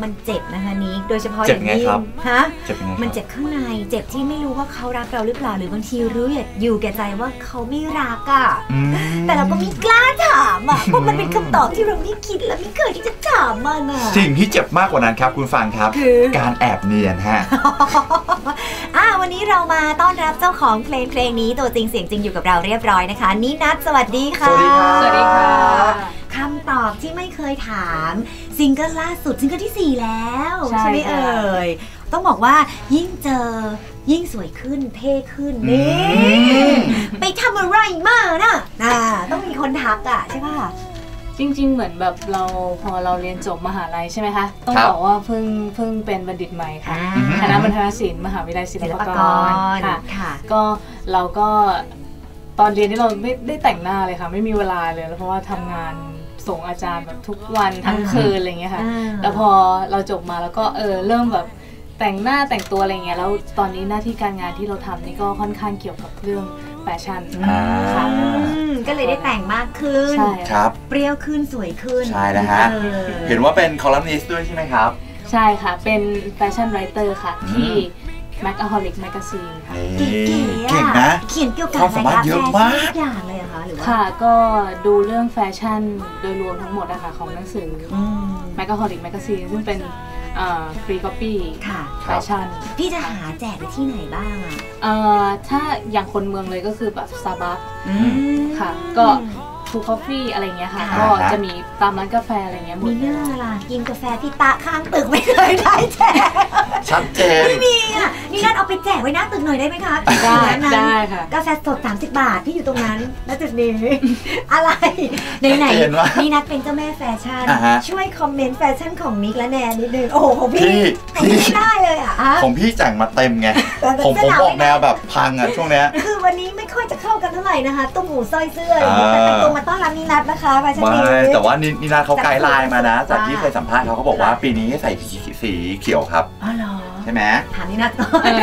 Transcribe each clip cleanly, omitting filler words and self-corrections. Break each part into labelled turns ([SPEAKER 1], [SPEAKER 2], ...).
[SPEAKER 1] มันเจ็บนะคะนี้โดยเฉพาะ
[SPEAKER 2] อย่างยิ่ง
[SPEAKER 1] ฮะมันเจ็บข้างในเจ็บที่ไม่รู้ว่าเขารักเราหรือเปล่าหรือบางทีรู้อยู่แก่ใจว่าเขาไม่รักอ่ะแต่เราก็ไม่กล้าถามอ่ะเพราะมันเป็นคำตอบที่เราไม่คิดและไม่เคยที่จะถามมันอ่ะ
[SPEAKER 2] สิ่งที่เจ็บมากกว่านั้นครับคุณฟังครับการแอบเนียนฮะ
[SPEAKER 1] วันนี้เรามาต้อนรับเจ้าของเพลงนี้ตัวจริงเสียงจริงอยู่กับเราเรียบร้อยนะคะนินัทสวัสดีค่ะ
[SPEAKER 2] สวัสดีค่ะ
[SPEAKER 3] สวัสดีค่ะ
[SPEAKER 1] คำตอบที่ไม่เคยถามซิงเกิลล่าสุดซิงเกิลที่4แล้วใช่ไหมเอ่ยต้องบอกว่ายิ่งเจอยิ่งสวยขึ้นเท่ขึ้นนี่ไปทำอะไรมาน่ะต้องมีคนทักอ่ะใช่ป่ะ
[SPEAKER 3] จริงๆเหมือนแบบพอเราเรียนจบมหาลัยใช่ไหมคะต้องบอกว่าเพิ่งเป็นบัณฑิตใหม่ค่ะคณะบรรณศิลป์มหาวิทยาลัยศิลปากรค่ะก็เราก็ตอนเรียนที่เราไม่ได้แต่งหน้าเลยค่ะไม่มีเวลาเลยเพราะว่าทำงานส่งอาจารย์แบบทุกวันทั้งคืนอะไรเงี้ยค่ะแล้วพอเราจบมาแล้วก็เริ่มแบบแต่งหน้าแต่งตัวอะไรเงี้ยแล้วตอนนี้หน้าที่การงานที่เราทำนี่ก็ค่อนข้างเกี่ยวกับเรื่องแฟชั่นค่ะ
[SPEAKER 1] ก็เลยได้แต่งมากขึ้น
[SPEAKER 2] ใช่ครับ
[SPEAKER 1] เปรี้ยวขึ้นสวยขึ้น
[SPEAKER 2] ใช่นะฮะเห็นว่าเป็นคอลัมนิสต์ด้วยใช่ไหมครับ
[SPEAKER 3] ใช่ค่ะเป็นแฟชั่นไรเตอร์ค่ะที่ Macaholic Magazine ค่ะ
[SPEAKER 1] เก่งนะเขียนเกี่ยวกับ
[SPEAKER 2] ความสามารถเยอะมาก
[SPEAKER 1] อย่างเลยค่ะหรือว่า
[SPEAKER 3] ค่ะก็ดูเรื่องแฟชั่นโดยรวมทั้งหมดนะคะของหนังสือ Macaholic Magazine ซึ่งเป็นฟรีก๊อปปี้แฟชั่น
[SPEAKER 1] พี่จะหาแจกไปที่ไหนบ้าง
[SPEAKER 3] ถ้าอย่างคนเมืองเลยก็คือแบบ Starbucks ค่ะก็ทูคอฟฟี่อะไรเงี้ยค่ะก็จะมีตามร้านกาแฟอะไรเงี้ย
[SPEAKER 1] มีเรื่องอะไรกินกาแฟที่ตะข้างตึกไม่เคยได้แจก
[SPEAKER 2] ชัดเจน
[SPEAKER 1] ไม่มีอ่ะนี่นั่นเอาไปแจกไว้หน้าตึกหน่อยได้ไหมคะ
[SPEAKER 3] ได้ค่ะ
[SPEAKER 1] กาแฟสด30 บาทที่อยู่ตรงนั้นแล้วจุดนี้อะไรไหนนี่นัทเป็นเจ้าแม่แฟชั่นช่วยคอมเมนต์แฟชั่นของนิกและแนนนิดนึงโอ้โหของพี่ไม่ได้เลยอ่ะ
[SPEAKER 2] ของพี่แต่งมาเต็มไงผมบอกแนวแบบพังอ่ะช่วงเนี้ย
[SPEAKER 1] คือวันนี้ไม่ค่อยจะเข้ากันเท่าไหร่นะคะตุ้มหูสร้อยเสื้อแต่ตัวมาต้อนรับนินัทนะคะแฟชั่นนี้
[SPEAKER 2] แต่ว่านินัทเขาไกด์ไลน์มานะจากที่เคยสัมภาษณ์เขาบอกว่าปีนี้ให้ใส่สีเขียวครับ
[SPEAKER 1] อ๋อเหรอ
[SPEAKER 2] ใช่ไหม
[SPEAKER 1] ถามนินัทก่อน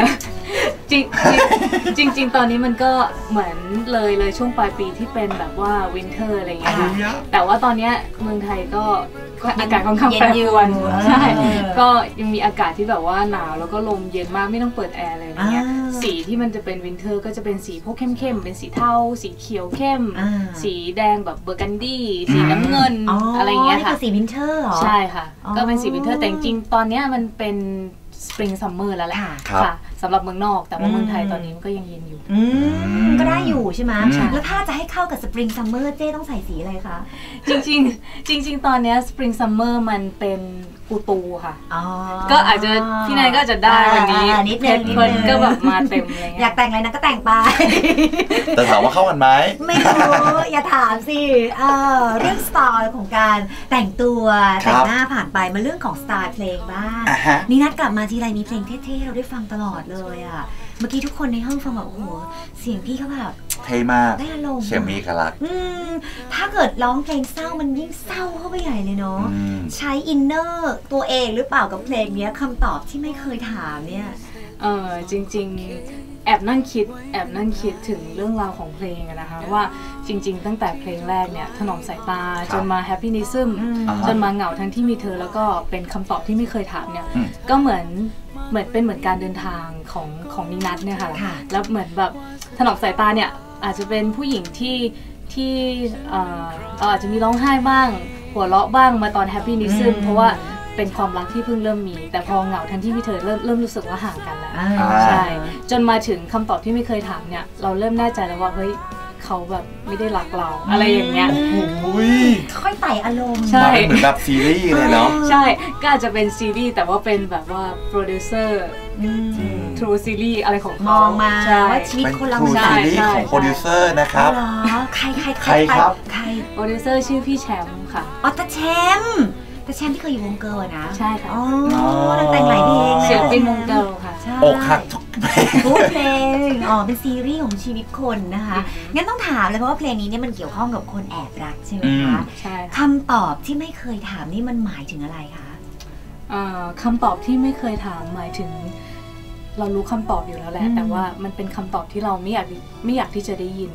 [SPEAKER 3] จริงตอนนี้มันก็เหมือนเลยช่วงปลายปีที่เป็นแบบว่าวินเทอร์อะไรอย่างเงี้ยค่ะแต่ว่าตอนนี้เมืองไทยก็อากาศค่อนข้างแปรปรวนใช่ก็ยังมีอากาศที่แบบว่าหนาวแล้วก็ลมเย็นมากไม่ต้องเปิดแอร์อะไรอย่างเงี้ยสีที่มันจะเป็นวินเทอร์ก็จะเป็นสีพวกเข้มๆเป็นสีเทาสีเขียวเข้มสีแดงแบบเบอร์กันดี้สีน้ำเงินอะไรอย่างเงี้ยค่ะ
[SPEAKER 1] นี่คือสีวินเทอร์เหรอ
[SPEAKER 3] ใช่ค่ะก็เป็นสีวินเทอร์แต่จริงตอนนี้มันเป็นสปริงซัมเมอร์แล้วแหละค่ะสำหรับเมืองนอกแต่ว่าเมืองไทยตอนนี้มันก็ยังเย็นอยู่
[SPEAKER 1] ก็ได้อยู่ใช่ไหมแล้วถ้าจะให้เข้ากับสปริงซัมเมอร์เจ้ต้องใส่สีอะไรคะ
[SPEAKER 3] จริงตอนนี้สปริงซัมเมอร์มันเป็นกูตูค่ะก็อาจจะพี่นายก็จะได้วันนี้
[SPEAKER 1] นิดนึง
[SPEAKER 3] ก็แบบมาเต็มเลย
[SPEAKER 1] อยากแต่งอะไรนะก็แต่งไป
[SPEAKER 2] แต่ถามว่าเข้ากันไหม
[SPEAKER 1] ไม่รู้อย่าถามสิเรื่องสไตล์ของการแต่งตัวแต่งหน้าผ่านไปมาเรื่องของสไตล์เพลงบ้างนี่นัดกลับมาทีไรมีเพลงเท่ๆเราได้ฟังตลอดเลยอ่ะเมื่อกี้ทุกคนในห้องฟังแบบโอ้โหเสียงพี่เขาแบบ
[SPEAKER 2] เท่มาก
[SPEAKER 1] ได้อารมณ์
[SPEAKER 2] เสียงมีเอกลักษณ์
[SPEAKER 1] ถ้าเกิดร้องเพลงเศร้ามันยิ่งเศร้าเข้าไปใหญ่เลยเนาะใช้อินเนอร์ตัวเองหรือเปล่ากับเพลงนี้คำตอบที่ไม่เคยถามเนี่ย
[SPEAKER 3] จริงๆแอบนั่งคิดถึงเรื่องราวของเพลงนะคะว่าจริงๆตั้งแต่เพลงแรกเนี่ยถนอมสายตาจนมา Happynism จนมาเหงาทั้งที่มีเธอแล้วก็เป็นคำตอบที่ไม่เคยถามเนี่ยก็เหมือนเป็นการเดินทางของนินัทเนี่ยค่ะแล้วเหมือนแบบถนอมสายตาเนี่ยอาจจะเป็นผู้หญิงที่อาจจะมีร้องไห้บ้างหัวเราะบ้างมาตอน Happynism เพราะว่าเป็นความรักที่เพิ่งเริ่มมีแต่พอเหงาทั้งที่มีเธอเริ่มรู้สึกว่าห่างกันแล้วใช่จนมาถึงคำตอบที่ไม่เคยถามเนี่ยเราเริ่มแน่ใจแล้วว่าเฮ้ยเขาแบบไม่ได้รักเราอะไรอย่างเงี้ย
[SPEAKER 1] ค่อยไต่อารมณ์
[SPEAKER 2] ใช่เหมือนแบบซีรีส์เลยเนาะ
[SPEAKER 3] ใช่ก็อาจจะเป็นซีรีส์แต่ว่าเป็นแบบว่าโปรดิวเซอร์ทรูซีรีส์อะไรของ
[SPEAKER 1] มองมาว่าชีวิตคนเรา
[SPEAKER 2] ใช่ซีรีส์ของโปรดิวเซอร์นะครับ
[SPEAKER 1] ใคร
[SPEAKER 2] ครับ
[SPEAKER 3] ใครโปรดิวเซอร์ชื่อพี่แชมป์ค่ะ
[SPEAKER 1] ตาแชมป์แต่แชมป์ที่เคยอยู่วงเกิร์ลนะ
[SPEAKER 3] ใช่ค่ะ
[SPEAKER 1] แต่งหลายเพลง
[SPEAKER 3] ศิลปินวงเกิร์ลค่ะ
[SPEAKER 2] อกหักทุก
[SPEAKER 1] เพลงเป็นซีรีส์ของชีวิตคนนะคะงั้นต้องถามเลยเพราะว่าเพลงนี้เนี่ยมันเกี่ยวข้องกับคนแอบรักใช่ไหมคะ
[SPEAKER 3] ใช่
[SPEAKER 1] คำตอบที่ไม่เคยถามนี่มันหมายถึงอะไรคะ
[SPEAKER 3] คำตอบที่ไม่เคยถามหมายถึงเรารู้คำตอบอยู่แล้วแหละแต่ว่ามันเป็นคำตอบที่เราไม่อยากที่จะได้ยิน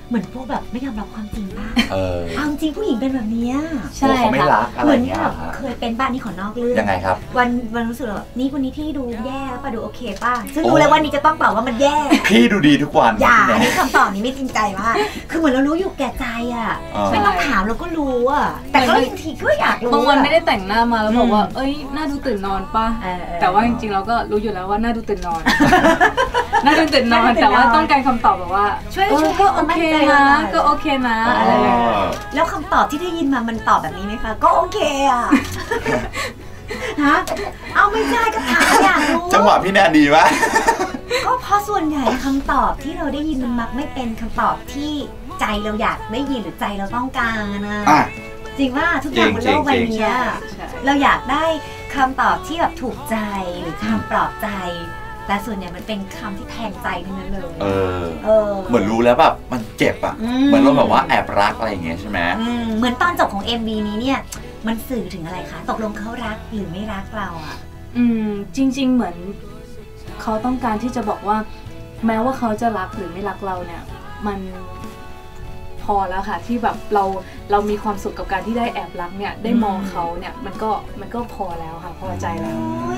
[SPEAKER 1] เหมือนพวกแบบไม่ยอมรับความจริงป่ะ
[SPEAKER 2] เอา
[SPEAKER 1] จริงผู้หญิงเป็นแบบนี้
[SPEAKER 2] ใช่เขาไม่รักอะไรเงี้ย
[SPEAKER 1] เคยเป็นบ้านนี้ขอนอกเรื่อง
[SPEAKER 2] ยังไงครับ
[SPEAKER 1] วันรู้สึกแบบนี่วันนี้พี่ดูแย่ป่ะดูโอเคป่ะซึ่งรู้เลยว่านี่จะต้องตอบว่ามันแย่
[SPEAKER 2] พี่ดูดีทุกวัน
[SPEAKER 1] อย่าอันนี้คำตอบนี้ไม่จริงใจมากคือเหมือนเรารู้อยู่แก่ใจอ่ะไม่ต้องถามเราก็รู้อ่ะแต่ก็บางทีก็อยากรู้
[SPEAKER 3] บางวันไม่ได้แต่งหน้ามาแล้วบอกว่าเอ้ยหน้าดูตื่นนอนป่ะแต่ว่าจริงๆเราก็รู้อยู่แล้วว่าหน้าดูตื่นนอนน่าจะตื่นนอนแต่ว่าต้องการคำตอบแบบว่า
[SPEAKER 1] ช่วย
[SPEAKER 3] ก็โอเคนะก็โอเคนะอะไรอย่างเงี้ย
[SPEAKER 1] แล้วคำตอบที่ได้ยินมามันตอบแบบนี้ไหมคะก็โอเคอ่ะฮะเอาไม่ใช่ก็ถามอยากรู้
[SPEAKER 2] จังหวะพี่แนนดีวะ
[SPEAKER 1] ก็เพราะส่วนใหญ่คำตอบที่เราได้ยินมันมักไม่เป็นคำตอบที่ใจเราอยากได้ยินหรือใจเราต้องการนะจริงว่าทุกอย่างบนโลกใบนี้เราอยากได้คำตอบที่แบบถูกใจหรือคำปลอบใจแต่ส่วนใหญ่มันเป็นคำที่แทงใจทั้งนั้นเลย
[SPEAKER 2] เหมือนรู้แล้วแบบมันเจ็บอ่ะเหมือนเราแบบว่าแอบรักอะไรอย่างเงี้ยใช่ไหม
[SPEAKER 1] เหมือนตอนจบของ MV นี้เนี่ยมันสื่อถึงอะไรคะตกลงเขารักหรือไม่รักเราอ่ะ
[SPEAKER 3] จริงๆเหมือนเขาต้องการที่จะบอกว่าแม้ว่าเขาจะรักหรือไม่รักเราเนี่ยมันพอแล้วค่ะที่แบบเรามีความสุขกับการที่ได้แอบรักเนี่ยได้มองเขาเนี่ยมันก็พอแล้วค่ะพอใจแล้ว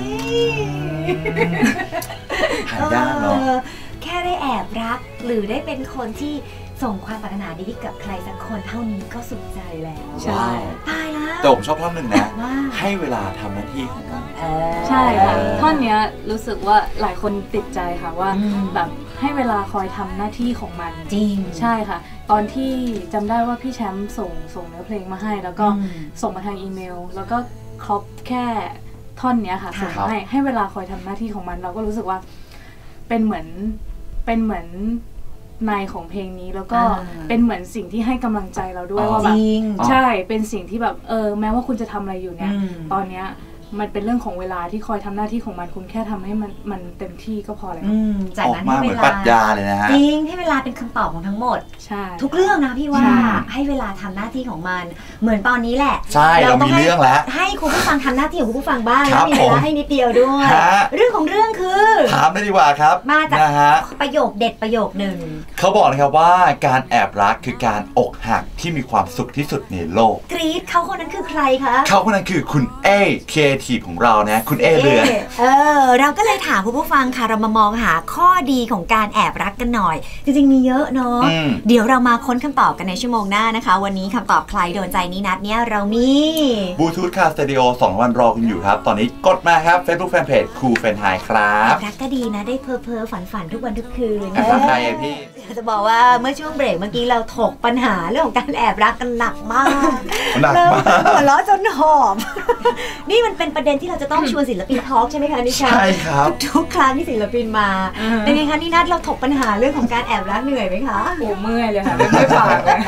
[SPEAKER 2] หายากเนาะ
[SPEAKER 1] แค่ได้แอบรักหรือได้เป็นคนที่ส่งความปรารถนาดีให้กับใครสักคนเท่านี้ก็สุขใจแล้ว
[SPEAKER 2] ใช่
[SPEAKER 1] ตายแล้ว
[SPEAKER 2] แต่ผมชอบท่อนหนึ่งนะให้เวลาทำหน้าที่ของมัน
[SPEAKER 3] ใช่ค่ะท่อนนี้รู้สึกว่าหลายคนติดใจค่ะว่าแบบให้เวลาคอยทำหน้าที่ของมัน
[SPEAKER 1] จริง
[SPEAKER 3] ใช่ค่ะตอนที่จำได้ว่าพี่แชมป์ส่งเนื้อเพลงมาให้แล้วก็ส่งมาทางอีเมลแล้วก็ครบแค่ท่อนนี้ค่ะส่งมาให้เวลาคอยทำหน้าที่ของมันเราก็รู้สึกว่าเป็นเหมือนในของเพลงนี้แล้วก็เป็นเหมือนสิ่งที่ให้กำลังใจเราด้วยว่าแบบใช่เป็นสิ่งที่แบบแม้ว่าคุณจะทำอะไรอยู่เนี่ยตอนเนี้ยมันเป็นเรื่องของเวลาที่คอยทำหน้าที่ของมันคุณแค่ทำให้มันเต็มที่ก็พอแล้ว
[SPEAKER 1] จากนั้นให้เวลา
[SPEAKER 2] ปรัชญาเลยนะฮะ
[SPEAKER 1] จริงให้เวลาเป็นคำตอบของทั้งหมด
[SPEAKER 3] ใช่
[SPEAKER 1] ทุกเรื่องนะพี่ว่าให้เวลาทำหน้าที่ของมันเหมือนตอนนี้แหละ
[SPEAKER 2] ใช่เรามีเรื่องแล้ว
[SPEAKER 1] ให้คุณผู้ฟังทำหน้าที่ของคุณผู้ฟังบ้างแล้วมีเวลาให้นิดเดียวด้วยเรื่องของเรื่องคือ
[SPEAKER 2] ถามได้ดีกว่าครับ
[SPEAKER 1] มาจากประโยคเด็ดประโยคหนึ่ง
[SPEAKER 2] เขาบอกนะครับว่าการแอบรักคือการอกหักที่มีความสุขที่สุดในโลก
[SPEAKER 1] กรี๊ดเขาคนนั้นคือใครคะ
[SPEAKER 2] เขาคนนั้นคือคุณเอครีเอทีฟของเรานะคุณเอเรือ
[SPEAKER 1] เราก็เลยถามผู้ฟังค่ะเรามามองหาข้อดีของการแอบรักกันหน่อยจริงๆมีเยอะเนาะเดี๋ยวเรามาค้นคำตอบกันในชั่วโมงหน้านะคะวันนี้คำตอบใครโดนใจนี้นัดเนี่ยเรามี
[SPEAKER 2] บลูทูธคาสเตดิโอ2 วันรอคุณอยู่ครับตอนนี้กดมาครับ Facebook Fanpage ครูเฟนไฮครับ
[SPEAKER 1] รักก็ดีนะได้เพ้อฝันทุกวันทุกคืน
[SPEAKER 2] รักใครพี่
[SPEAKER 1] จะบอกว่าเมื่อช่วงเบรกเมื่อกี้เราถกปัญหาเรื่องของการแอบรักกันหนักมากหัวเราะจนหอมนี่มันเป็นประเด็นที่เราจะต้องชวนศิลปินทอล์กใช่ไหมคะนิชา
[SPEAKER 2] ใช่ครับ
[SPEAKER 1] ทุกครั้งที่ศิลปินมาเป็นไงคะนี่นัดเราถกปัญหาเรื่องของการแอบรักเหนื่อยไหมคะ
[SPEAKER 3] โอ้เมื่อยเลยค่ะไม่ปากเลย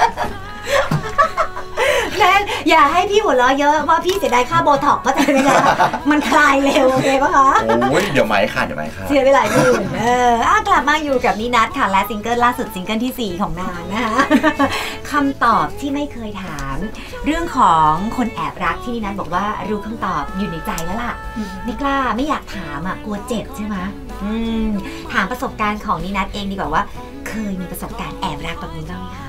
[SPEAKER 1] แม่อย่าให้พี่หัวเราะเยอะเพราะพี่เสียดายค่าโบท็อกก็จะไม่ได้มันคลายเร็วโอเคปะคะ
[SPEAKER 2] โอ้ยเดี๋ยวไหมค่ะ
[SPEAKER 1] เสียไปหลายหมื่นกลับมาอยู่กับนี่นัดค่ะและซิงเกิลล่าสุดซิงเกิลที่4ของนางนะคะคำตอบที่ไม่เคยถามเรื่องของคนแอบรักที่นี่นัดบอกว่ารู้คำตอบอยู่ในใจแล้วล่ะไม่กล้าไม่อยากถามอ่ะกลัวเจ็บใช่ไหมถามประสบการณ์ของนี่นัดเองดีกว่าว่าเคยมีประสบการณ์แอบรักแบบนี้บ้างไหมคะ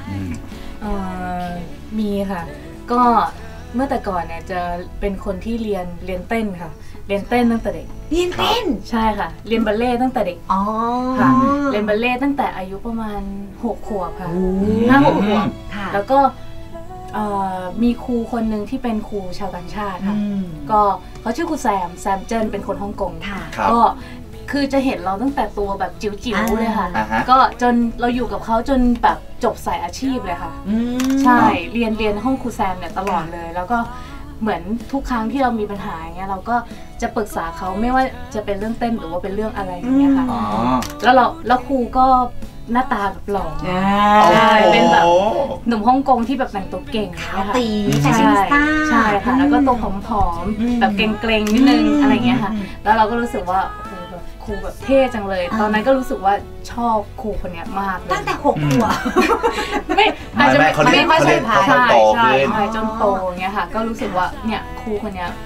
[SPEAKER 3] มีค่ะก็เมื่อแต่ก่อนเนี่ยจะเป็นคนที่เรียนเต้นค่ะเรียนเต้นตั้งแต่เด็ก
[SPEAKER 1] เรียนเต้น
[SPEAKER 3] ใช่ค่ะเรียนบัลเล่ตั้งแต่เด็กค่ะเรียนบัลเล่ตั้งแต่อายุประมาณ6 ขวบค่ะ5-6 ขวบแล้วก็มีครูคนหนึ่งที่เป็นครูชาวต่างชาติค่ะก็เขาชื่อครูแซมเจิ้นเป็นคนฮ่องกงก็คือจะเห็นเราตั้งแต่ตัวแบบจิ๋วๆเลยค่ะก็จนเราอยู่กับเขาจนแบบจบสายอาชีพเลยค่ะใช่เรียนห้องครูแซมเนี่ยตลอดเลยแล้วก็เหมือนทุกครั้งที่เรามีปัญหาอย่างเงี้ยเราก็จะปรึกษาเขาไม่ว่าจะเป็นเรื่องเต้นหรือว่าเป็นเรื่องอะไรอย่างเงี้ยค่ะแล้วครูก็หน้าตาแบบหล่อเป็นแบบหนุ่มฮ่องกงที่แบบแต่งตัวเก่ง
[SPEAKER 1] นะคะตี
[SPEAKER 3] ใช่ค่ะแล้วก็ตัวผอมๆแบบเกรงๆนิดนึงอะไรเงี้ยค่ะแล้วเราก็รู้สึกว่าครูแบบเท่จังเลยตอนนั้นก็รู้สึกว่าชอบครูคนนี้มากเลย
[SPEAKER 1] ตั้งแต่6 ขวบ
[SPEAKER 3] ไม่อาจจะไม่ค่อยใช่
[SPEAKER 2] ใช่
[SPEAKER 3] จนโตอย่างเงี้ยค่ะก็รู้สึกว่าเนี่ยครูคนนี้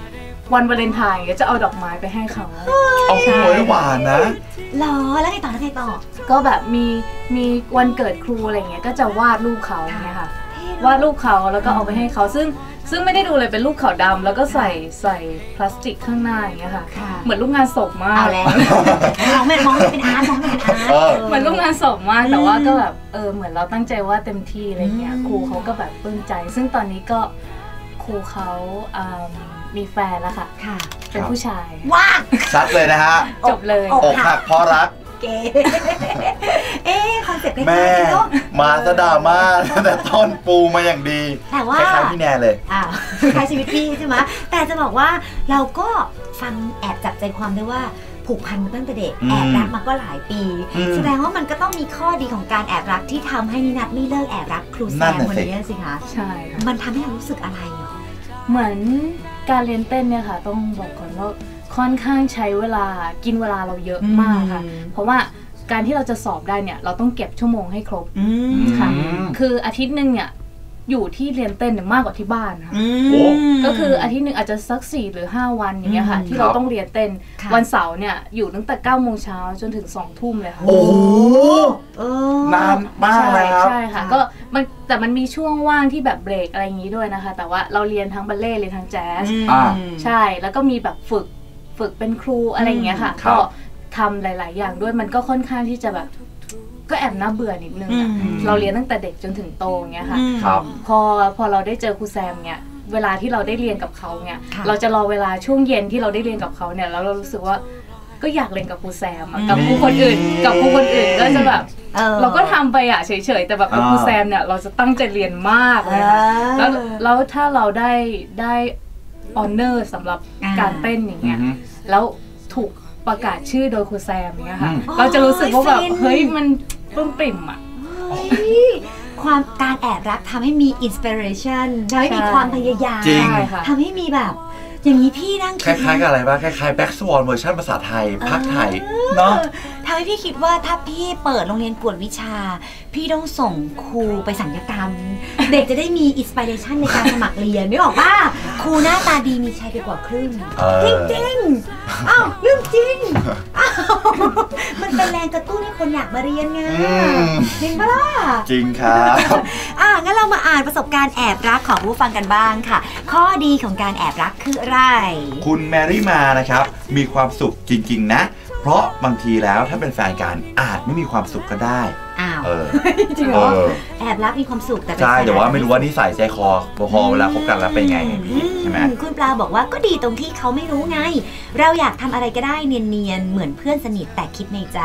[SPEAKER 3] วันวาเลนไทน์ก็จะเอาดอกไม้ไปให้เขา
[SPEAKER 2] เอาโหยหวานนะ
[SPEAKER 1] หรอแล้วไงต่อแล้วไงต่อ
[SPEAKER 3] ก็แบบมีวันเกิดครูอะไรเงี้ยก็จะวาดรูปเขาเนี่ยค่ะวาดรูปเขาแล้วก็เอาไปให้เขาซึ่งไม่ได้ดูเลยเป็นรูปขาวดำแล้วก็ใส่พลาสติกข้างหน้าอย่างเงี้ยค่ะเหมือนรูปงานศพมาก
[SPEAKER 1] เอาแล้วมองเป็นอาร์ตมองเป็นอาร์ต
[SPEAKER 3] เหมือนรูปงานศพมากแต่ว่าก็แบบเหมือนเราตั้งใจว่าเต็มที่อะไรเงี้ยครูเขาก็แบบปลื้มใจซึ่งตอนนี้ก็ครูเขามีแฟนแล้วค่ะเป็นผู้ชาย
[SPEAKER 1] ว้า
[SPEAKER 2] ชัดเลยนะฮะ
[SPEAKER 3] จบเลย
[SPEAKER 2] อกหักเพราะรัก
[SPEAKER 1] เก๋คอนเซ็ปต์
[SPEAKER 2] แม่มาซะดราม่าแต่ต้นปูมาอย่างดี
[SPEAKER 1] แต่ว่า
[SPEAKER 2] คล้ายๆพี่แนนเลย
[SPEAKER 1] คล้ายชีวิตพี่ใช่ไหมแต่จะบอกว่าเราก็ฟังแอบจับใจความได้ว่าผูกพันมาตั้งแต่เด็กแอบรักมาก็หลายปีแสดงว่ามันก็ต้องมีข้อดีของการแอบรักที่ทำให้นินัทไม่เลิกแอบรักครูแซมคนนี้สิคะ
[SPEAKER 3] ใช่
[SPEAKER 1] มันทำให้เรารู้สึกอะไรหรอ
[SPEAKER 3] เหมือนการเรียนเต้นเนี่ยค่ะต้องบอกก่อนว่าค่อนข้างใช้เวลากินเวลาเราเยอะมากค่ะเพราะว่าการที่เราจะสอบได้เนี่ยเราต้องเก็บชั่วโมงให้ครบค่ะคืออาทิตย์นึงเนี่ยอยู่ที่เรียนเต้นมากกว่าที่บ้านค่ะก็คืออาทิตย์นึงอาจจะสัก4 หรือ 5 วันอย่างเงี้ยค่ะที่เราต้องเรียนเต้นวันเสาร์เนี่ยอยู่ตั้งแต่9 โมงเช้าจนถึง2 ทุ่มเลยค่ะ
[SPEAKER 2] โอ้นานมากเลยครับ
[SPEAKER 3] ใช่ค่ะก็แต่มันมีช่วงว่างที่แบบเบรกอะไรอย่างงี้ด้วยนะคะแต่ว่าเราเรียนทั้งบัลเล่ต์เรียนทั้งแจ๊สใช่แล้วก็มีแบบฝึกเป็นครูอะไรอย่างเงี้ยค่ะก็ทำหลายๆอย่างด้วยมันก็ค่อนข้างที่จะแบบก็แอบน่าเบื่อนิดนึงเราเรียนตั้งแต่เด็กจนถึงโตเงี้ยค่ะพอเราได้เจอครูแซมเงี้ยเวลาที่เราได้เรียนกับเขาเงี้ยเราจะรอเวลาช่วงเย็นที่เราได้เรียนกับเขาเนี่ยแล้วเรารู้สึกว่าก็อยากเรียนกับครูแซมกับครูคนอื่นก็จะแบบเราก็ทำไปเฉยๆแต่แบบกับครูแซมเนี่ยเราจะตั้งใจเรียนมากเลยค่ะแล้วถ้าเราได้ออเนอร์สำหรับการเต้นอย่างเงี้ยแล้วถูกประกาศชื่อโดยครูแซมเนี้ยค่ะเราจะรู้สึกว่าแบบเฮ้ยมันปลื้มปริ่มอ่ะ
[SPEAKER 1] ความการแอบรักทำให้มีอินสปิเรชันทำให้มีความพยายามทำให้มีแบบอย่างนี้พี่นั่ง
[SPEAKER 2] คล้ายๆกับอะไรบ้างคล้ายๆแบ็กสวอนเวอร์ชันภาษาไทยภาคไทยเนาะ
[SPEAKER 1] ทำให้พี่คิดว่าถ้าพี่เปิดโรงเรียนกวดวิชาพี่ต้องส่งครูไปสัญญกรรมเด็กจะได้มีอินสปิเรชันในการสมัครเรียนไม่บอกว่าครูหน้าตาดีมีชายไปกว่าครึ่งจริงๆอ้าวเรื่องจริงมันเป็นแรงกระตุ้นให้คนอยากมาเรียนไงจริงปะล่ะ
[SPEAKER 2] จริงครับ
[SPEAKER 1] งั้นเรามาอ่านประสบการณ์แอบรักของผู้ฟังกันบ้างค่ะข้อดีของการแอบรักคืออะไร
[SPEAKER 2] คุณแมรี่มานะครับมีความสุขจริงๆนะเพราะบางทีแล้วถ้าเป็นแฟนกันอาจไม่มีความสุขก็ได้
[SPEAKER 1] จริงเหรอแอบรักมีความสุขแต่
[SPEAKER 2] ใช่แต่ว่าไม่รู้ว่านิสัยใจคอพอเวลาคบกันแล้วเป็นไงใช่ไหม
[SPEAKER 1] คุณปลาบอกว่าก็ดีตรงที่เขาไม่รู้ไงเราอยากทำอะไรก็ได้เนียนๆเหมือนเพื่อนสนิทแต่คิดในใจ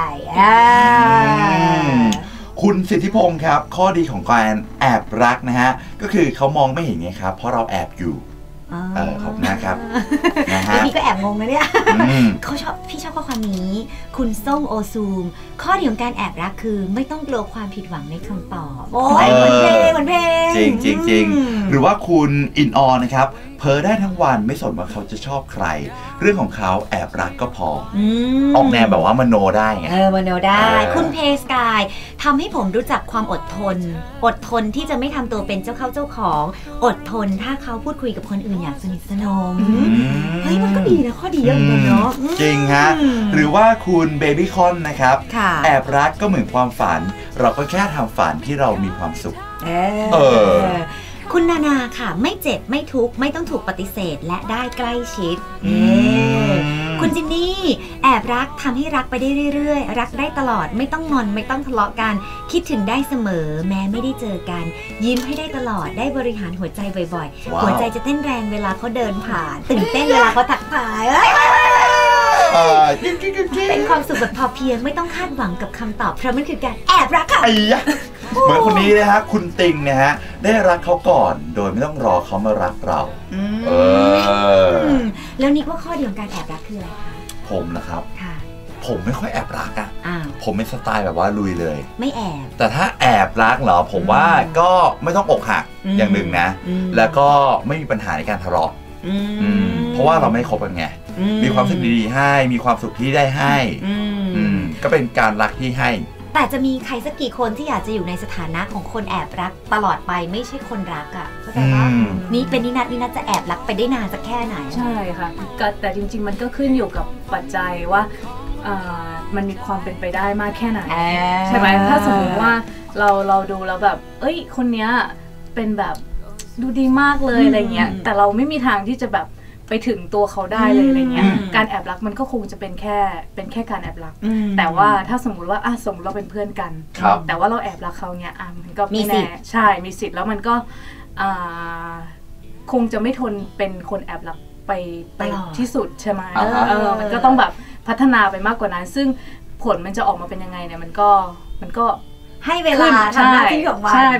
[SPEAKER 2] คุณสิทธิพงศ์ครับข้อดีของการแอบรักนะฮะก็คือเขามองไม่เห็นไงครับเพราะเราแอบอยู่ขอบคุณนะครับ
[SPEAKER 1] นะฮะพี่ก็แอบงงนะเนี่ยพี่ชอบข้อความนี้คุณส้มโอซูมข้อดีของการแอบรักคือไม่ต้องกลัวความผิดหวังในคำตอบโอ้ยเหมือนเพลง
[SPEAKER 2] จริงหรือว่าคุณอินออนนะครับเพ้อได้ทั้งวันไม่สนว่าเขาจะชอบใครเรื่องของเขาแอบรักก็พอออกแนวแบบว่ามโนได้ไง
[SPEAKER 1] มโนได้คุณเพสกายทำให้ผมรู้จักความอดทนที่จะไม่ทำตัวเป็นเจ้าเข้าเจ้าของอดทนถ้าเขาพูดคุยกับคนอื่นอย่างสนิทสนมเฮ้ยมันก็ดีนะข้อดีเยอะเหมือนกันเนาะ
[SPEAKER 2] จริงฮะหรือว่าคุณเบบี้คอนนะครับแอบรักก็เหมือนความฝันเราก็แค่ทำฝันที่เรามีความสุข
[SPEAKER 1] คุณนานาค่ะไม่เจ็บไม่ทุกข์ไม่ต้องถูกปฏิเสธและได้ใกล้ชิดคุณจินนี่แอบรักทำให้รักไปได้เรื่อยๆรักได้ตลอดไม่ต้องงอนไม่ต้องทะเลาะกันคิดถึงได้เสมอแม้ไม่ได้เจอกันยิ้มให้ได้ตลอดได้บริหารหัวใจบ่อยๆหัวใจจะเต้นแรงเวลาเขาเดินผ่านตื่นเต้นเวลาเขาทักทายเป็นความสุขแบบพอเพียงไม่ต้องคาดหวังกับคำตอบเพราะมันคือการแอบรักค่ะ
[SPEAKER 2] เหมือนคนนี้นะฮะคุณติงนะฮะได้รักเขาก่อนโดยไม่ต้องรอเขามารักเรา
[SPEAKER 1] แล้วนิกว่าข้อดีของการแอบรักคืออะไรคะ
[SPEAKER 2] ผมนะครับผมไม่ค่อยแอบรักอ่ะผมเป็นสไตล์แบบว่าลุยเลย
[SPEAKER 1] ไม่แอบ
[SPEAKER 2] แต่ถ้าแอบรักเหรอผมว่าก็ไม่ต้องอกหักอย่างหนึ่งนะแล้วก็ไม่มีปัญหาในการทะเลาะเพราะว่าเราไม่คบกันไงมีความสุขดีๆให้มีความสุขที่ได้ให้ก็เป็นการรักที่ให้
[SPEAKER 1] แต่จะมีใครสักกี่คนที่อยากจะอยู่ในสถานะของคนแอบรักตลอดไปไม่ใช่คนรักอ่ะเข้าใจปะนี่เป็นนินัทจะแอบรักไปได้นานสักแค่ไหน
[SPEAKER 3] ใช่ค่ะแต่จริงๆมันก็ขึ้นอยู่กับปัจจัยว่ามันมีความเป็นไปได้มากแค่ไหนใช่ไหมถ้าสมมติว่าเราดูแล้วแบบเอ้ยคนเนี้ยเป็นแบบดูดีมากเลยอะไรเงี้ยแต่เราไม่มีทางที่จะแบบไปถึงตัวเขาได้เลยอะไรเงี้ยการแอบรักมันก็คงจะเป็นแค่การแอบรักแต่ว่าถ้าสมมุติว่าสมมติเราเป็นเพื่อนกันแต่ว่าเราแอบรักเขาเนี้ยมันก็ไม่แน่ใช่มีสิทธิ์แล้วมันก็คงจะไม่ทนเป็นคนแอบรักไปที่สุดใช่ไหมมันก็ต้องแบบพัฒนาไปมากกว่านั้นซึ่งผลมันจะออกมาเป็นยังไงเนี่ยมันก็
[SPEAKER 1] ให้เวลาทำหน้าที่ของมัน
[SPEAKER 3] ใช่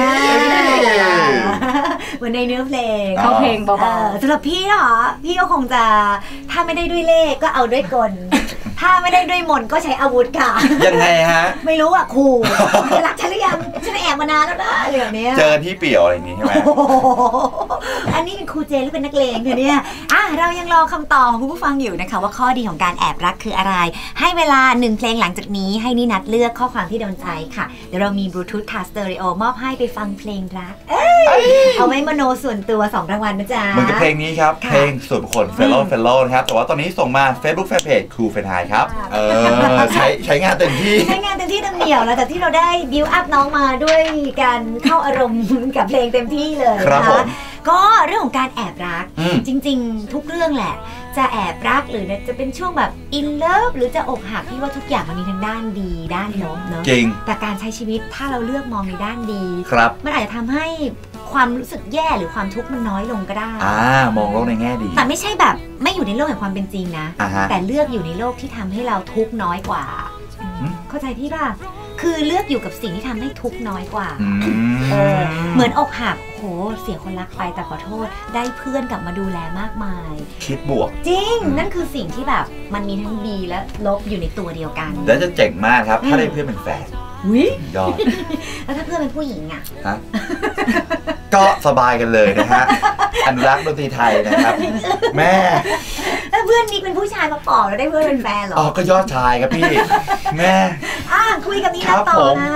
[SPEAKER 1] เหมือนในเนื้อเพลง
[SPEAKER 3] เขาเพลงเบา
[SPEAKER 1] ๆสำหรับพี่เหรอพี่ก็คงจะถ้าไม่ได้ด้วยเลขก็เอาด้วยกลถ้าไม่ได้ด้วยมนก็ใช้อาวุธค่ะ
[SPEAKER 2] ยังไงฮะ
[SPEAKER 1] ไม่รู้อ่ะครูรักฉันหรือยังฉันแอบมานานแล้วนะอะไรแบบนี้
[SPEAKER 2] เจอที่เปี่ยวอะไรอย่างนี้ใช่ไหม
[SPEAKER 1] อันนี้เป็นครูเจหรือเป็นนักเลงคะเนี่ยเรายังรอคำตอบของคุณผู้ฟังอยู่นะคะว่าข้อดีของการแอบรักคืออะไรให้เวลา1เพลงหลังจากนี้ให้นินัทเลือกข้อความที่โดนใจค่ะเดี๋ยวเรามี Bluetooth Card Stereo มอบให้ไปฟังเพลงรักเอาไว้มโนส่วนตัว2รางวัลนะจ๊ะ
[SPEAKER 2] เหมือนกับเพลงนี้ครับเพลงส่วนบุคคล Fellow นะครับแต่ว่าตอนนี้ส่งมา Facebook Fanpage ครูเฟนไฮครับใช้งานเต็มที่
[SPEAKER 1] เต็มเหนียวแล้วแต่ที่เราได้บิวอัพน้องมาด้วยการเข้าอารมณ์กับเพลงเต็มที่เลยนะคะก็เรื่องของการแอบรักจริงๆทุกเรื่องแหละจะแอบรักหรือจะเป็นช่วงแบบอินเลิฟหรือจะอกหักพี่ว่าทุกอย่างมันมีทั้งด้านดีด้านลบเนอะ
[SPEAKER 2] จริง
[SPEAKER 1] แต่การใช้ชีวิตถ้าเราเลือกมองในด้านดีมันอาจจะทำให้ความรู้สึกแย่หรือความทุกข์มันน้อยลงก็ได้
[SPEAKER 2] มองโลกในแง่ดี
[SPEAKER 1] แต่ไม่ใช่แบบไม่อยู่ในโลกแห่งความเป็นจริงนะแต่เลือกอยู่ในโลกที่ทำให้เราทุกข์น้อยกว่าเข้าใจพี่ป่ะคือเลือกอยู่กับสิ่งที่ทำให้ทุกข์น้อยกว่าเหมือนอกหักโหเสียคนรักไปแต่ขอโทษได้เพื่อนกลับมาดูแลมากมาย
[SPEAKER 2] คิดบวก
[SPEAKER 1] จริงนั่นคือสิ่งที่แบบมันมีทั้งดีและลบอยู่ในตัวเดียวกัน
[SPEAKER 2] แล้วจะเจ๋งมากครับถ้าได้เพื่อนเป็นแฟนยอด
[SPEAKER 1] แล้วถ้าเพื่อนเป็นผู้หญิงอ่ะ
[SPEAKER 2] ก็สบายกันเลยนะฮะอนุรักษ์ดนตรีไทยนะครับแม่
[SPEAKER 1] แล้วเพื่อนนี่เป็นผู้ชายมาปอบแล้วได้เพื่อนเป็นแฟนหรอ
[SPEAKER 2] ก็ยอดชายครับพี่แม่
[SPEAKER 1] คุยกับนี่นะต่อนะ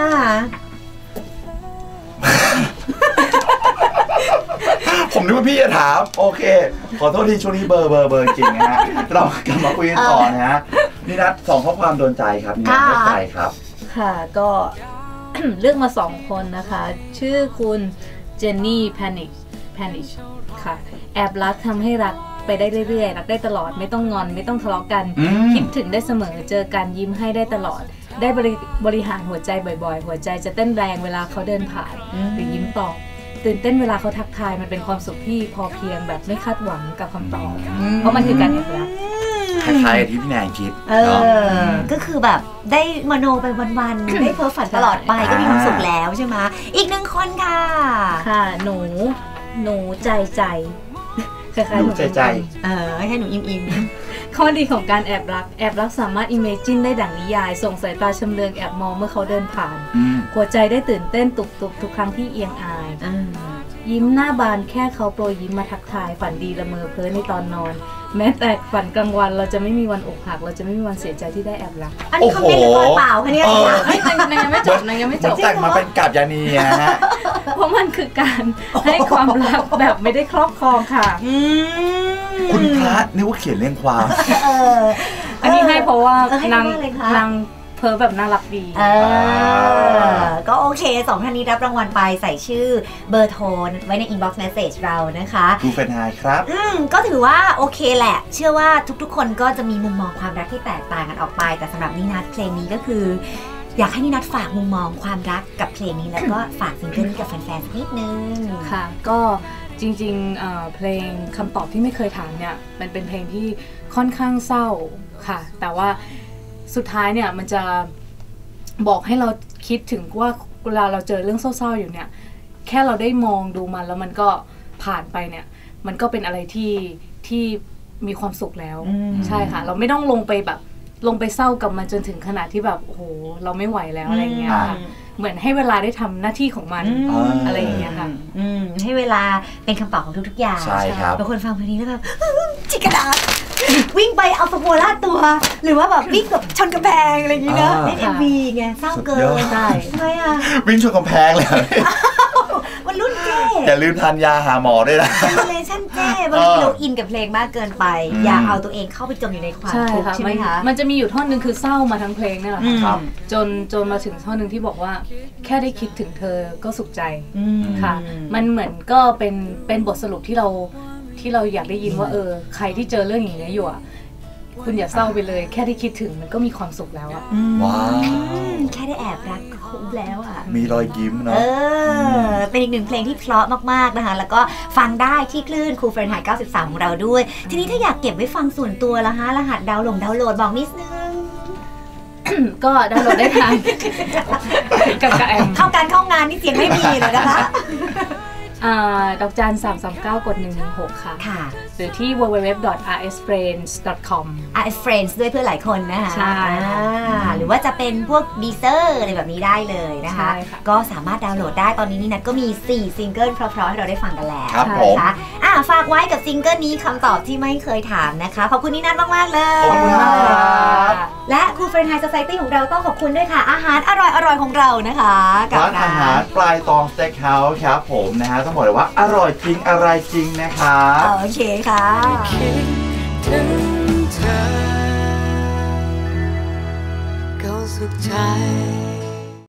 [SPEAKER 2] ผมนึกว่าพี่จะถามโอเคขอโทษที่ช่วงนี้เบอร์จริงนะฮะเรากลับมาคุยกันต่อนะฮะนี่นัด2ข้อความโดนใจครับนี่นัดใจครับ
[SPEAKER 3] ค่ะก็ เลือกมา2คนนะคะชื่อคุณเจนนี่แพนิชค่ะแอบรักทำให้รักไปได้เรื่อยๆรักได้ตลอดไม่ต้องงอนไม่ต้องทะเลาะกันคิดถึงได้เสมอเจอกันยิ้มให้ได้ตลอดได้บริหารหัวใจบ่อยๆหัวใจจะเต้นแรงเวลาเขาเดินผ่านหรือยิ้มตอบตื่นเต้นเวลาเขาทักทายมันเป็นความสุขที่พอเพียงแบบไม่คาดหวังกับคำตอบเพราะมันคือการแอบรัก
[SPEAKER 2] คล้ายๆที่พี่แนนคิด
[SPEAKER 1] ก็คือแบบได้มโนไปวันๆได้เพ้อฝันตลอดไปก็มีความสุขแล้วใช่ไหมอีก1คนค่ะ
[SPEAKER 3] หนูใจ
[SPEAKER 2] คล้ายๆหนูใจ
[SPEAKER 1] ให้หนูอิ่ม
[SPEAKER 3] ข้อดีของการแอบรักสามารถอิเมจินได้ดั่งนิยายส่งสายตาชำเลืองแอบมองเมื่อเขาเดินผ่านหัวใจได้ตื่นเต้นตุบทุกครั้งที่เอียงอายยิ้มหน้าบานแค่เขาโปรยยิ้มมาทักทายฝันดีละเมอเพ้อในตอนนอนแม้แต่ฝันกลางวันเราจะไม่มีวันอกหักเราจะไม่มีวันเสียใจที่ได้แอบรัก
[SPEAKER 1] อันนี้คอมเมนต์หรือเปล่าคะเนี่ย
[SPEAKER 3] ยังไม่จบ
[SPEAKER 2] แต่งมาเป็นกาบยานีนะฮะ
[SPEAKER 3] เพราะมันคือการให้ความรักแบบไม่ได้ครอบครองค่ะ
[SPEAKER 2] คุณพระนึกว่าเขียนเรื่องความ
[SPEAKER 3] อันนี้ให้เพราะว่านางเพ้อแบบน่ารักดี
[SPEAKER 1] ก็โอเค2ท่านนี้รับรางวัลไปใส่ชื่อเบอร์โทรไว้ใน inbox message เรานะคะ
[SPEAKER 2] ครูเฟนไฮครับ
[SPEAKER 1] ก็ถือว่าโอเคแหละเชื่อว่าทุกๆคนก็จะมีมุมมองความรักที่แตกต่างกันออกไปแต่สำหรับนินัทเพลงนี้ก็คืออยากให้นินัทฝากมุมมองความรักกับเพลงนี้แล้วก็ฝากซิงเกิลนี้กับแฟนๆสักนิดนึง
[SPEAKER 3] ค่ะก็จริงๆเพลงคำตอบที่ไม่เคยถามเนี่ยมันเป็นเพลงที่ค่อนข้างเศร้าค่ะแต่ว่าสุดท้ายเนี่ยมันจะบอกให้เราคิดถึงว่าเวลาเราเจอเรื่องเศร้าๆอยู่เนี่ยแค่เราได้มองดูมันแล้วมันก็ผ่านไปเนี่ยมันก็เป็นอะไรที่มีความสุขแล้วใช่ค่ะเราไม่ต้องลงไปเศร้ากับมันจนถึงขนาดที่แบบโอ้โหเราไม่ไหวแล้วอะไรเงี้ยค่ะเหมือนให้เวลาได้ทำหน้าที่ของมันอะไรอย่างเงี้ยค่ะ
[SPEAKER 1] ให้เวลาเป็นคำตอบของทุกๆอย่าง
[SPEAKER 2] ใช่ครับ
[SPEAKER 1] บางคนฟังเพลงนี้แล้วแบบจิกกระดาษวิ่งไปเอาสโคล่าตัว หรือว่าแบบวิ่งกับชนกำแพงอะไรอย่างเงี้ยนะเล่น MV ไงเศร้าเกินใช่ทำไมอ่ะ
[SPEAKER 2] วิ่งชนกำแพงเลย
[SPEAKER 1] มันรุ่นเจ้
[SPEAKER 2] อย่าลืมทานยาหาหมอด้วยนะ
[SPEAKER 1] เจเนเรชั่นเจ้บางทีเราอินกับเพลงมากเกินไปอย่าเอาตัวเองเข้าไปจมอยู่ในความทุกข์ใช่ไหมคะ
[SPEAKER 3] มันจะมีอยู่ท่อนนึงคือเศร้ามาทั้งเพลงนี่แหละค่ะจนมาถึงท่อนนึงที่บอกว่าแค่ได้คิดถึงเธอก็สุขใจค่ะมันเหมือนก็เป็นบทสรุปที่เราอยากได้ยินว่าใครที่เจอเรื่องอย่างนี้อยู่อ่ะคุณอย่าเศร้าไปเลยแค่ได้คิดถึงมันก็มีความสุขแล้วอะ
[SPEAKER 2] ว้าว
[SPEAKER 1] แค่ได้แอบรักก็คุ้มแล้วอะ
[SPEAKER 2] มีรอยยิ้มเนาะ
[SPEAKER 1] เป็นอีกหนึ่งเพลงที่เพราะมากๆนะคะแล้วก็ฟังได้ที่คลื่นคูลเฟรนไฮต์93ของเราด้วยทีนี้ถ้าอยากเก็บไว้ฟังส่วนตัวละฮะรหัสดาวน์โหลดบอกนิดนึง
[SPEAKER 3] ก็ดาวน์โหลดได้ทางกับแอม
[SPEAKER 1] เข้าการเข้างานนี่เสียงไม่มีเลยนะคะ
[SPEAKER 3] ดอกจัน339 กด 116ค่ะหรือที่ www.rsfriends.com
[SPEAKER 1] rsfriends ด้วยเพื่อหลายคนนะคะ
[SPEAKER 3] ใช่
[SPEAKER 1] หรือว่าจะเป็นพวก Deezer อะไรแบบนี้ได้เลยนะคะก็สามารถดาวน์โหลดได้ตอนนี้นี่นัทก็มี4ซิงเกิลเพราะๆให้เราได้ฟังกันแล้ว
[SPEAKER 2] นะคะ
[SPEAKER 1] ฝากไว้กับซิงเกิลนี้คำตอบที่ไม่เคยถามนะคะขอบคุณนินัทมากๆเลย
[SPEAKER 2] ขอบคุณครับ
[SPEAKER 1] และครูเฟรนไฮโซไซตี้ของเราต้องขอบคุณด้วยค่ะอาหารอร่อยๆของเรานะคะ
[SPEAKER 2] ร้านอาหารปลายตองสเต็กเฮาส์ครับผมนะฮะต้องบอกเลยว่าอร่อยจริงอะไรจริงนะครับ
[SPEAKER 1] โอเคค่ะคิดถึงเธอก็สุขใจ